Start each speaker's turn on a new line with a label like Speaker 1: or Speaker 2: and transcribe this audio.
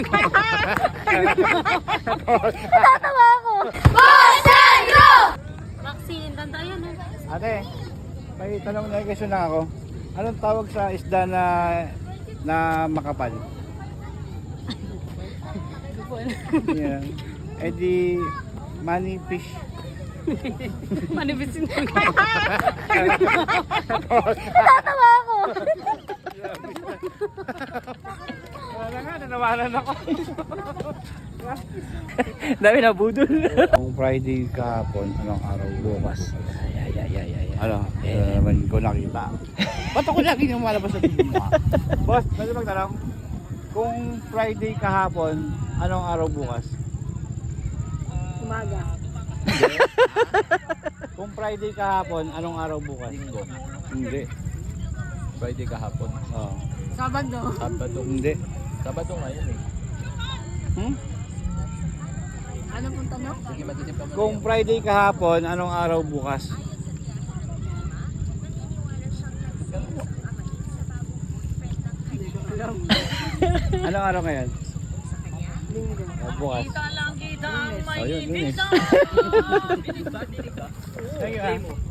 Speaker 1: Tatawa ako. Bosendro! Vaccine, tanda yan eh.
Speaker 2: Ate, may tanong na question lang ako. Anong tawag sa isda na makapal? Yeah. Eh di money fish.
Speaker 1: Manibisin ko. Tatawa ako.
Speaker 2: Wala nga, nanawalan ako.
Speaker 3: Dami na budol.
Speaker 2: Kung Friday kahapon, anong araw bukas? Ano? Naman ko nakita. Ba't ako lagi nang malabas sa TV mo? Boss, pwede magtanong? Kung Friday kahapon, anong araw bukas?
Speaker 1: Umaga.
Speaker 2: Kung Friday kahapon, anong araw bukas?
Speaker 3: Linggo.
Speaker 2: Hindi.
Speaker 3: Friday kahapon.
Speaker 2: Oh.
Speaker 1: Sabado.
Speaker 3: Sabado.
Speaker 2: Hindi.
Speaker 3: Sabado ngayon eh.
Speaker 2: Hmm?
Speaker 1: Ano pong tanong?
Speaker 3: Sige, mag-isip ka muna.
Speaker 2: Kung Friday kahapon, anong araw bukas? Anong araw ngayon?
Speaker 1: Linggo.
Speaker 2: Oh, bukas.
Speaker 1: Kita lang kita ang may
Speaker 2: Oh, yun, yun eh.
Speaker 1: ibig sa
Speaker 2: Thank you, ah.